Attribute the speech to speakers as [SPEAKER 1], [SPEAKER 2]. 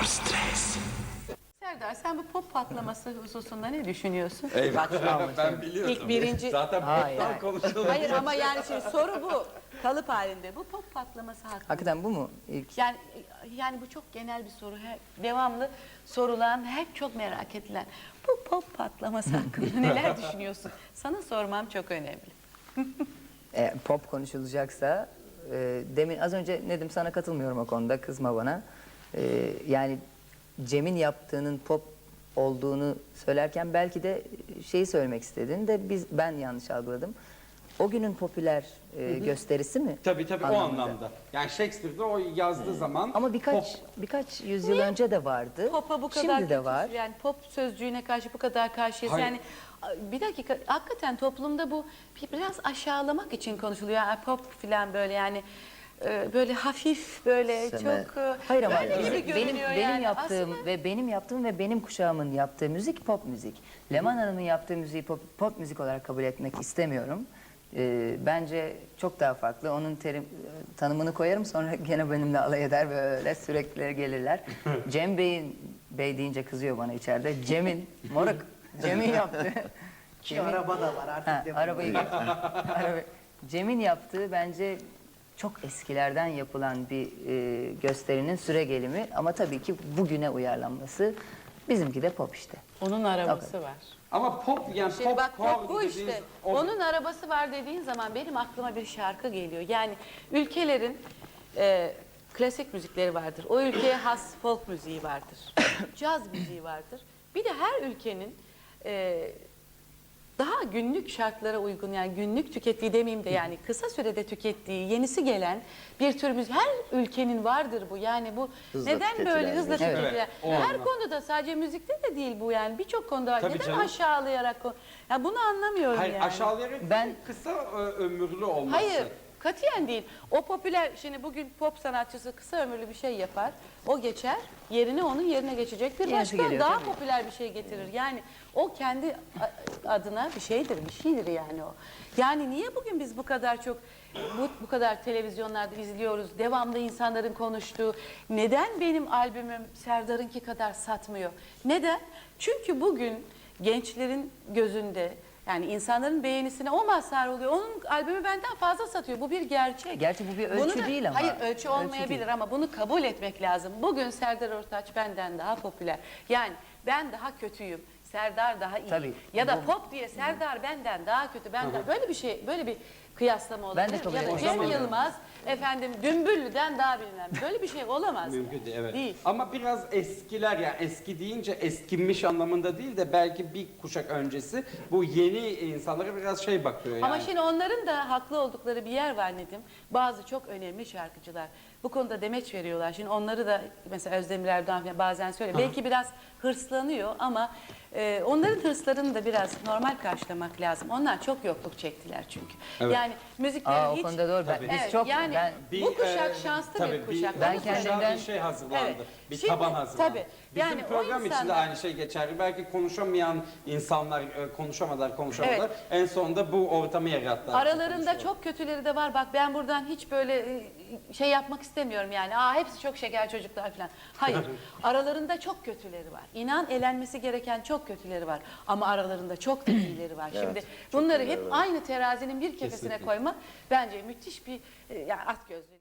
[SPEAKER 1] stres.
[SPEAKER 2] Serdar, sen bu pop patlaması hususunda ne düşünüyorsun?
[SPEAKER 3] Ben biliyordum.
[SPEAKER 2] İlk birinci...
[SPEAKER 3] Zaten
[SPEAKER 4] Hayır.
[SPEAKER 3] pop'tan konuşulur.
[SPEAKER 2] Hayır ama yani şimdi soru bu. Kalıp halinde. Bu pop patlaması hakkında.
[SPEAKER 4] Hakikaten bu mu ilk?
[SPEAKER 2] Yani bu çok genel bir soru. Devamlı sorulan, hep çok merak edilen. Bu pop patlaması hakkında neler düşünüyorsun? Sana sormam çok önemli.
[SPEAKER 4] Pop konuşulacaksa demin az önce Nedim sana katılmıyorum o konuda, kızma bana. Yani Cem'in yaptığının pop olduğunu söylerken belki de şeyi söylemek istedin de ben yanlış algıladım. O günün popüler gösterisi mi?
[SPEAKER 3] Tabii o
[SPEAKER 4] Anlamında.
[SPEAKER 3] anlamda. Yani Shakespeare'de o yazdığı zaman
[SPEAKER 4] Ama
[SPEAKER 3] pop.
[SPEAKER 4] birkaç yüzyıl önce de vardı.
[SPEAKER 2] Pop'a bu kadar
[SPEAKER 4] Şimdi de
[SPEAKER 2] kötüsü,
[SPEAKER 4] var.
[SPEAKER 2] yani pop sözcüğüne karşı bu kadar karşıyız.
[SPEAKER 3] Hayır.
[SPEAKER 2] Yani bir dakika, hakikaten toplumda bu biraz aşağılamak için konuşuluyor. Yani pop falan böyle yani böyle hafif böyle çok
[SPEAKER 4] Hayır ama
[SPEAKER 2] böyle gibi görünüyor yani.
[SPEAKER 4] yaptığım
[SPEAKER 2] Aslında
[SPEAKER 4] ve benim kuşağımın yaptığı müzik pop müzik. Leman Hanım'ın yaptığı müziği pop müzik olarak kabul etmek istemiyorum. Bence çok daha farklı. Onun tanımını koyarım, sonra gene benimle alay eder, böyle sürekli gelirler. Cem Bey deyince kızıyor bana içeride. Cem'in yaptığı.
[SPEAKER 5] Araba da var artık.
[SPEAKER 4] Arabayı Cem'in yaptığı bence çok eskilerden yapılan bir gösterinin süre gelimi, ama tabii ki bugüne uyarlanması. Bizimki de pop işte.
[SPEAKER 2] onun arabası var.
[SPEAKER 3] Ama pop yani
[SPEAKER 2] Şimdi
[SPEAKER 3] pop,
[SPEAKER 2] bak pop bu
[SPEAKER 3] dediğiniz
[SPEAKER 2] işte.
[SPEAKER 3] o-
[SPEAKER 2] Onun arabası var dediğin zaman benim aklıma bir şarkı geliyor. Yani ülkelerin klasik müzikleri vardır. O ülkeye has folk müziği vardır. Caz müziği vardır. Bir de her ülkenin daha günlük şartlara uygun, yani günlük tükettiği demeyeyim de yani kısa sürede tükettiği, yenisi gelen bir tür müzik. Her ülkenin vardır bu. Yani bu
[SPEAKER 5] Hızla
[SPEAKER 2] neden
[SPEAKER 5] tüketilen
[SPEAKER 2] böyle hızla
[SPEAKER 5] müzik.
[SPEAKER 2] tüketilen?
[SPEAKER 3] Evet, o
[SPEAKER 2] Her
[SPEAKER 3] anlamda.
[SPEAKER 2] konuda, sadece müzikte de değil bu yani, birçok konuda var.
[SPEAKER 3] Tabii
[SPEAKER 2] Neden
[SPEAKER 3] canım.
[SPEAKER 2] aşağılayarak ya bunu anlamıyorum
[SPEAKER 3] Hayır,
[SPEAKER 2] yani.
[SPEAKER 3] aşağılayarak kısa ömürlü olması.
[SPEAKER 2] Hayır, katiyen değil. O popüler, şimdi bugün pop sanatçısı kısa ömürlü bir şey yapar. O geçer, yerine onun yerine geçecek bir
[SPEAKER 4] Yenisi
[SPEAKER 2] başka
[SPEAKER 4] geliyor,
[SPEAKER 2] daha
[SPEAKER 4] tabii.
[SPEAKER 2] popüler bir şey getirir. Yani o kendi adına bir şeydir yani o. Yani niye bugün biz bu kadar çok bu kadar televizyonlarda izliyoruz, devamlı insanların konuştuğu, neden benim albümüm Serdar'ınki kadar satmıyor? Neden? Çünkü bugün gençlerin gözünde, yani insanların beğenisine o mazhar oluyor. Onun albümü benden fazla satıyor. Bu bir gerçek.
[SPEAKER 4] Gerçi bu bir ölçü değil ama.
[SPEAKER 2] Hayır, ölçü olmayabilir
[SPEAKER 4] değil.
[SPEAKER 2] ama bunu kabul etmek lazım. Bugün Serdar Ortaç benden daha popüler. Yani ben daha kötüyüm, Serdar daha iyi.
[SPEAKER 4] Tabii,
[SPEAKER 2] Ya da
[SPEAKER 4] bu-
[SPEAKER 2] pop diye Serdar benden daha kötü. Böyle bir şey, böyle bir kıyaslama
[SPEAKER 4] Ben de
[SPEAKER 2] olabilir.
[SPEAKER 4] kabul
[SPEAKER 2] Ya da
[SPEAKER 4] etmek
[SPEAKER 2] Cem
[SPEAKER 4] istemiyorum.
[SPEAKER 2] Yılmaz efendim Dümbüllü'den daha bilmem. Böyle bir şey olamaz.
[SPEAKER 3] Mümkün değil, evet.
[SPEAKER 2] Değil.
[SPEAKER 3] Ama biraz eskiler, yani eski deyince eskinmiş anlamında değil de belki bir kuşak öncesi bu yeni insanlara biraz şey bakıyor yani.
[SPEAKER 2] Ama şimdi onların da haklı oldukları bir yer var Nedim. Bazı çok önemli şarkıcılar bu konuda demeç veriyorlar. Şimdi onları da mesela Özdemir Erdoğan falan bazen söylüyor. Belki biraz hırslanıyor ama onların hırslarını da biraz normal karşılamak lazım. Onlar çok yokluk çektiler çünkü.
[SPEAKER 3] Evet.
[SPEAKER 2] Yani müzikleri
[SPEAKER 4] O
[SPEAKER 2] hiç...
[SPEAKER 4] konuda doğru.
[SPEAKER 3] Tabii.
[SPEAKER 4] Biz
[SPEAKER 2] Evet,
[SPEAKER 4] çok
[SPEAKER 2] yani bu kuşak şanslı
[SPEAKER 3] tabii
[SPEAKER 2] bir kuşak.
[SPEAKER 4] Ben
[SPEAKER 2] Onu söyleyeyim.
[SPEAKER 4] kendimden-
[SPEAKER 3] bir şey hazırlandı.
[SPEAKER 2] Evet.
[SPEAKER 3] Bir
[SPEAKER 2] Şimdi,
[SPEAKER 3] taban hazırlandı.
[SPEAKER 2] tabii.
[SPEAKER 3] Bizim
[SPEAKER 2] Yani o
[SPEAKER 3] program için de
[SPEAKER 2] insanlar-
[SPEAKER 3] aynı şey geçerli. Belki konuşamayan insanlar konuşamadılar.
[SPEAKER 2] Evet.
[SPEAKER 3] En sonunda bu ortamı yarattılar.
[SPEAKER 2] Aralarında çok kötüleri de var. Bak ben buradan hiç böyle şey yapmak istemiyorum yani. Hepsi çok şeker çocuklar falan. Hayır. Aralarında çok kötüleri var. İnan elenmesi gereken çok kötüleri var. Ama aralarında çok da iyileri var. Şimdi bunları hep aynı terazinin bir kefesine koymak bence müthiş bir yani at gözlü.